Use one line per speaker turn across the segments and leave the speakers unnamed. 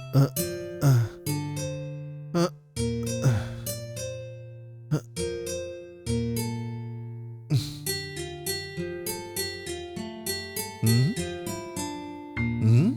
અ, અ, અ, અ. હમ? Hmm?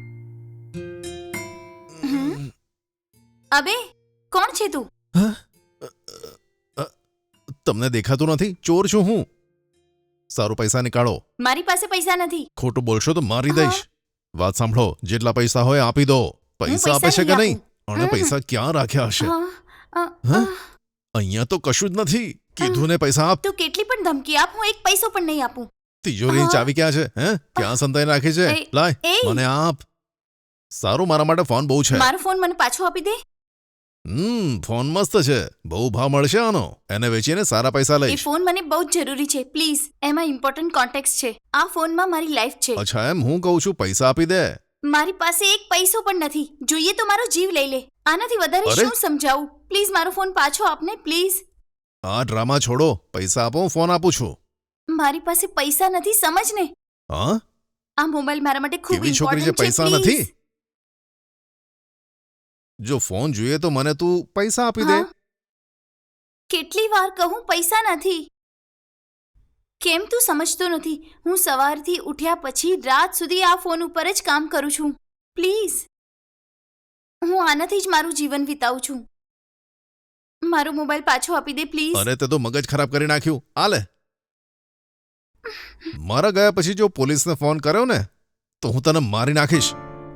હમ? અબે કોણ છે તું?
હા? અ, તમને દેખાતું નથી? ચોર છું હું. સારું, પૈસા નીકાળો.
મારી પાસે પૈસા નથી.
ખોટું બોલશો તો મારી
હા.
દઈશ. વાત સાંભળો, જેટલા પૈસા હોય આપી દો. પૈસા આપે છે કે નહીં? અને
હમ.
પૈસા ક્યાં રાખ્યા હશે?
હા, અ,
હા?
અ,
અહીંયા તો કશું જ નથી. કીધું ને પૈસા આપ.
તું કેટલી પણ ધમકી આપ, હું એક પૈસો પણ નહીં આપું.
તિજોરીની
હા.
ચાવી ક્યાં છે? હે? ક્યાં સંતાઈ રાખી છે?
એ-
લાય,
એ.
મને આપ. સારું, મારા માટે ફોન બહુ છે.
મારો ફોન મને પાછો આપી દે.
ફોન મસ્ત છે. બહુ ભાવ મળશે આનો. એને વેચીને સારા પૈસા
એ
લઈશ.
ફોન મને બહુ જ જરૂરી છે, પ્લીઝ. એમાં ઇમ્પોર્ટન્ટ કોન્ટેક્ટ છે. આ ફોનમાં મારી લાઈફ છે.
અચ્છા, એમ હું કહું છું, પૈસા આપી દે.
મારી પાસે એક પૈસો પણ નથી. જોઈએ તો મારો જીવ લઈ લે. આનાથી વધારે
અરે.
શું સમજાવું? પ્લીઝ મારો ફોન પાછો આપને, પ્લીઝ.
આ ડ્રામા છોડો. પૈસા આપો, હું ફોન આપું છું.
મારી પાસે પૈસા નથી, સમજ ને.
હા?
આ મોબાઈલ મારા માટે ખૂબ
કેવી છોકરી છે,
ઇમ્પોર્ટન્ટ છે,
પૈસા
પ્લીઝ.
નથી? જો ફોન જોઈએ તો મને તું પૈસા આપી દે.
હા? કેટલી વાર કહું પૈસા નથી? કેમ તું સમજતો નથી? હું સવારથી ઉઠ્યા પછી રાત સુધી આ ફોન ઉપર જ કામ કરું છું. પ્લીઝ, હું આનાથી જ મારું જીવન વિતાવું છું. મારો મોબાઈલ પાછો આપી દે, પ્લીઝ.
અરે તે તો મગજ ખરાબ કરી નાખ્યું. આ લે. મારા ગયા પછી જો પોલીસને ફોન કર્યો ને તો હું તને મારી નાખીશ.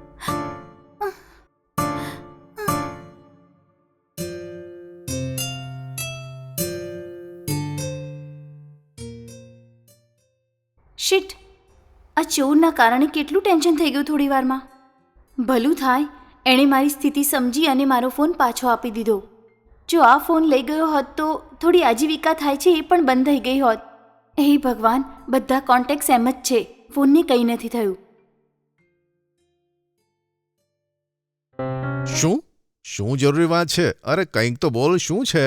શિટ, આ ચોરના કારણે કેટલું ટેન્શન થઈ ગયું થોડી વારમાં. ભલું થાય એણે મારી સ્થિતિ સમજી અને મારો ફોન પાછો આપી દીધો. જો આ ફોન લઈ ગયો હોત તો થોડી આજીવિકા થાય છે એ પણ બંધ થઈ ગઈ હોત. હે ભગવાન, બધા કોન્ટેક્ટ્સ એમ જ છે. ફોનને કંઈ નથી થયું.
શું શું જરૂરી વાત છે? અરે કંઈક તો બોલ, શું છે?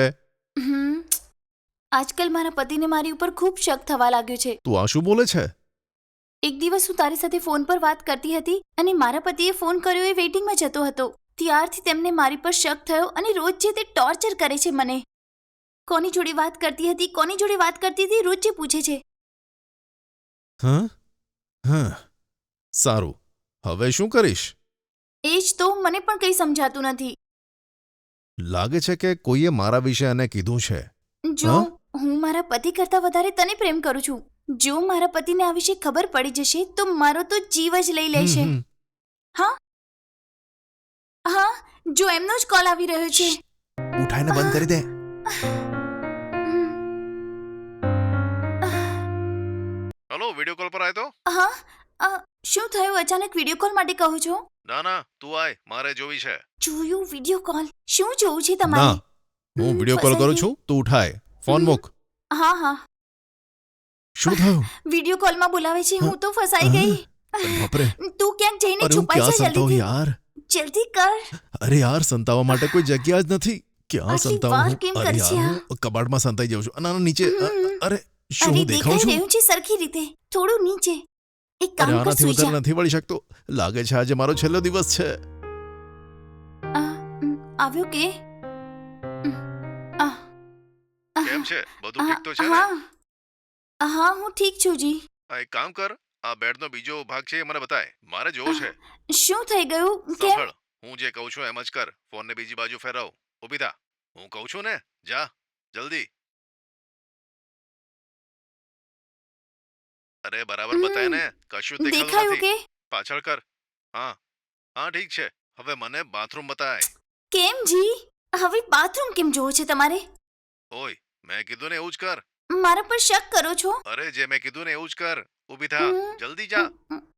આજકાલ મારા પતિને મારી ઉપર ખૂબ શક થવા લાગ્યો છે.
તું આ શું બોલે છે?
એક દિવસ હું તારી સાથે ફોન પર વાત કરતી હતી અને મારા પતિએ ફોન કર્યો એ વેઇટિંગમાં જતો હતો. ત્યારથી તેમને મારી પર શક થયો અને રોજ જે તે ટોર્ચર કરે છે મને. કોની જોડે વાત કરતી હતી, કોની જોડે વાત કરતી હતી, રોજ જે પૂછે છે.
હા હા, સારું. હવે શું કરીશ?
એ જ તો મને પણ કંઈ સમજાતું નથી.
લાગે છે કે કોઈએ મારા વિશે એને કીધું છે.
જો
હા?
હું મારા પતિ કરતાં વધારે તને પ્રેમ કરું છું. જો મારા પતિને આ વિશે ખબર પડી જશે તો મારો તો જીવ જ લઈ લેશે.
હમ, હમ.
હા હા, જો એમનો જ કોલ આવી રહ્યો છે.
ઉઠાઈને બંધ કરી દે. હલો, વિડિયો કોલ પર આય તો.
હા, શું થયું? અચાનક વિડીયો કોલ માટે કહો છો?
ના ના, તું આય, મારે જોવી છે.
જોયું વિડીયો કોલ? શું જોવું છે
ના,
તમારે?
હું વિડિયો કોલ કરું છું, તું ઉઠાય. ફોન મૂક.
હા હા,
શું થયું?
વિડીયો કોલમાં બોલાવે છે. હું તો ફસાઈ ગઈ.
અરે બાપરે.
તું ક્યાંક જઈને
અરે હું
છુપાઈ
ક્યાં
જા
સંતાવું
જલ્દીથી.
યાર?
જલ્દી કર.
અરે યાર, સંતાવા માટે કોઈ જગ્યા જ નથી. ક્યાં
આટલી
સંતાવું
વાર
હું?
કેમ
અરે
કરશે
યાર,
આ?
હું કબાટમાં સંતાઈ જાઉં છું. ના ના, નીચે. અરે શું
અરે
હું દેખાઉં
દેખાઈ
છું?
રહ્યું છે સરખી રીતે. થોડું નીચે. એક
અરે
કામ કર,
આનાથી
સૂઈ જા.
વધારે નથી વળી શકતો. લાગે છે આજે મારો છેલ્લો દિવસ છે.
આવ્યો કે?
કેમ છે? બધું ઠીક તો છે ને?
હા હા, હું ઠીક છું જી.
એક કામ કર, આ બેડનો બીજો ભાગ છે એ મને બતાય. મારે જોવો છે.
શું થઈ ગયું? કેમ?
સાંભળ, હું જે કહું છું એમ જ કર. ફોનને બીજી બાજુ ફેરવ. ઊભી થા. હું કહું છું ને, જા જલ્દી. અરે બરાબર બતાય ને, કશું જ દેખાતું
દેખાયું
નથી.
કે?
પાછળ કર. હા હા, ઠીક છે. હવે મને બાથરૂમ બતાય.
કેમ જી? હવે બાથરૂમ કેમ જોવો છે તમારે?
ઓય, મેં કીધું ને એવું જ કર.
મારા પર શક કરો છો?
અરે જે મેં કીધું ને એવું જ કર. ઊભી થા. જલ્દી જા.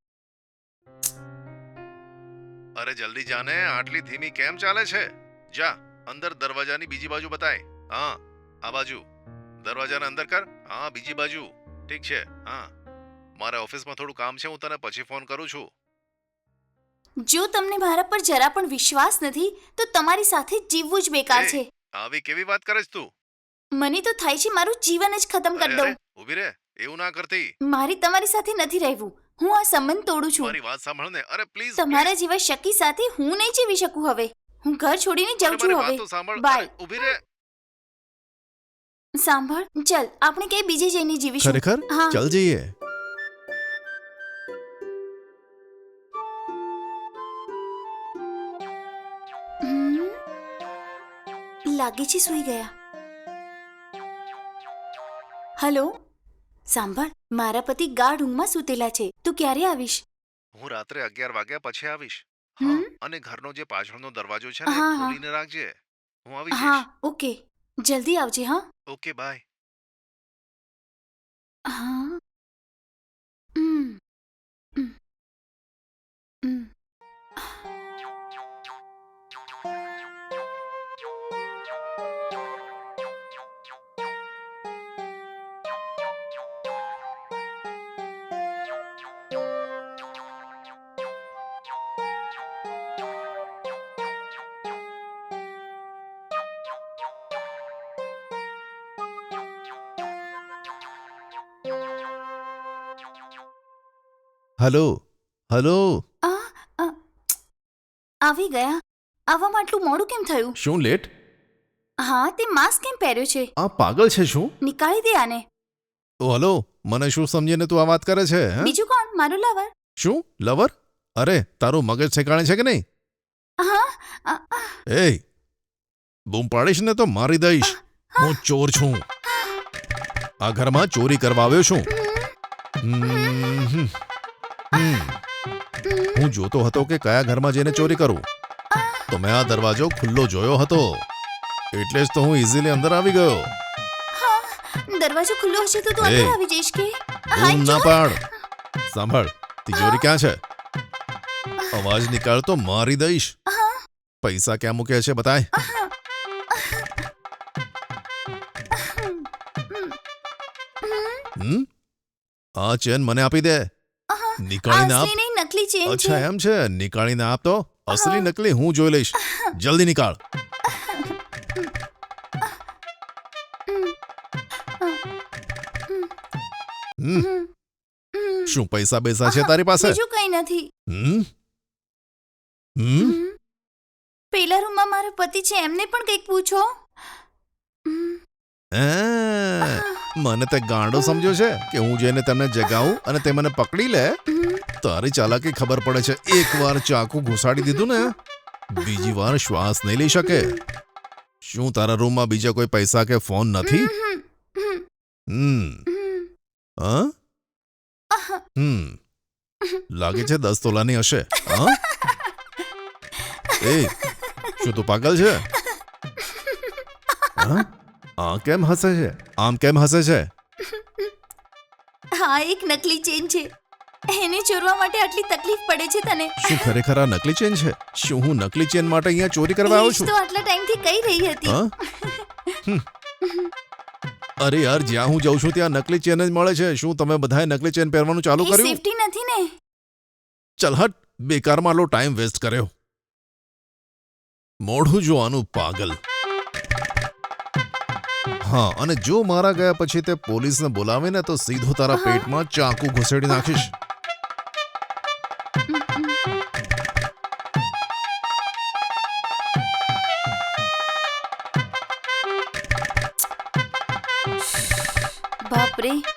અરે જલ્દી જા ને, આટલી ધીમી કેમ ચાલે છે? જા અંદર, દરવાજાની બીજી બાજુ બતાય. હા, આ બાજુ. દરવાજાને અંદર કર. હા, બીજી બાજુ. ઠીક છે. હા, મારે ઓફિસમાં થોડું કામ છે, હું તને પછી ફોન કરું છું.
જો તમને મારા પર જરા પણ વિશ્વાસ નથી તો તમારી સાથે જીવવું જ બેકાર
એ,
છે.
આવી કેવી વાત કરે છે તું?
મને તો થાય છે મારું જીવન જ ખતમ કરી
અરે
દઉં.
ઊભી રે, એવું ના કરતી.
મારી તમારી સાથે નથી રહેવું. હું આ સંબંધ તોડું છું.
મારી વાત સાંભળ ને. અરે પ્લીઝ
તમારા જેવા શકી સાથે હું નહીં જીવી શકું હવે. હું ઘર છોડીને જાઉં છું હવે.
સાંભળ.
બાય.
ઊભી રહે.
સાંભળ, ચલ આપણે ક્યાંય બીજે જઈને જીવીશું.
ખરેખર
હા.
ચાલ જઈએ.
હમ. લાગે છે સૂઈ ગયા. હલો, સાંભળ, મારા પતિ ગાઢ ઊંઘમાં સૂતેલા છે. તું ક્યારે આવીશ?
હું રાત્રે 11 વાગ્યા પછી આવીશ.
હમ?
હા, અને ઘરનો જે પાછળનો દરવાજો છે ને
હા, હા.
ખોલીને રાખજે. હું આવી
હા,
જઈશ.
ઓકે. જલ્દી આવજે. હા.
Okay bye.
હા. Hmm. Hmm. Hmm.
Hello hello.
આ, આ, આવી ગયા. આવવામાં આટલું મોડું કેમ થયું?
શું લેટ?
હા, તે માસ્ક કેમ પહેર્યો છે?
આ પાગલ છે શું?
નીકાળી દે આને.
ઓ હલો, મને શું સમજીને તું આ વાત કરે છે હે?
બીજું કોણ? મારું લવર.
શું લવર? અરે તારું મગજ ઠેકાણે છે કે નહીં?
હા. આ, આ,
એ બૂમ પાડીશ ને તો મારી દઈશ. હું ચોર છું. આ ઘરમાં ચોરી કરવા આવ્યો છું. હમ. હું જોતો હતો કે કયા ઘરમાં જઈને ચોરી કરું, તો મેં આ દરવાજો ખુલ્લો જોયો હતો, એટલે જ તો હું ઇઝીલી અંદર આવી ગયો.
દરવાજો ખુલ્લો હશે તો તું
એ.
અંદર આવી જઈશ કે? હાય,
બૂમ ના
ચોર.
પાડ. સાંભળ, તિજોરી ક્યાં છે? અવાજ નીકાળ તો મારી દઈશ. પૈસા ક્યાં મૂક્યા છે બતાય. હમ? આ ચેન મને આપી દે. નીકાળીને આપ.
અસલી નહીં, નકલી ચેન
અચ્છા
છે.
એમ છે, નીકાળીને આપ તો. અસલી નકલી હું જોઈ લઈશ. જલ્દી નીકાળ. હમ, શું પૈસા બેસા છે તારી પાસે?
બીજું કઈ નથી.
હમ હમ
પેલા રૂમમાં મારો પતિ છે, એમને પણ કંઈક પૂછો.
આ, મને તે ગાંડો સમજ્યો છે કે હું જઈને તેમને જગાવું અને તે મને પકડી લે? તારી ચાલાકી ખબર પડે છે. એકવાર ચાકુ ઘુસાડી દીધું ને, બીજી વાર શ્વાસ નહીં લઈ શકે. શું તારા રૂમમાં બીજા કોઈ પૈસા કે ફોન નથી? હમ હા લાગે છે 10 તોલાની હશે. હા એ શું તું પાગલ છે? હા? આ કેમ હસે છે? આમ કેમ હસે છે?
હા, એક નકલી ચેન છે. એને ચોરવા માટે આટલી તકલીફ પડે છે તને?
શું ખરેખર આ નકલી ચેન છે? શું હું નકલી ચેન માટે અહીંયા ચોરી કરવા આવ્યો
એ જ
છું?
તો આટલા ટાઈમથી કહી રહી હતી.
હા? હમ. અરે યાર, જ્યાં હું જાઉં છું ત્યાં નકલી ચેન જ મળે છે. શું તમે બધાએ નકલી ચેન પહેરવાનું ચાલુ
એ
કર્યું?
સેફટી નથી ને.
ચલ હટ, બેકારમાં આટલો ટાઈમ વેસ્ટ કર્યો. મોઢું જોવાનું પાગલ. હા, અને જો મારા ગયા પછી તે પોલીસને બોલાવે ને તો સીધો તારા પેટમાં ચાકુ ઘુસેડી નાખીશ.
બાપ રે,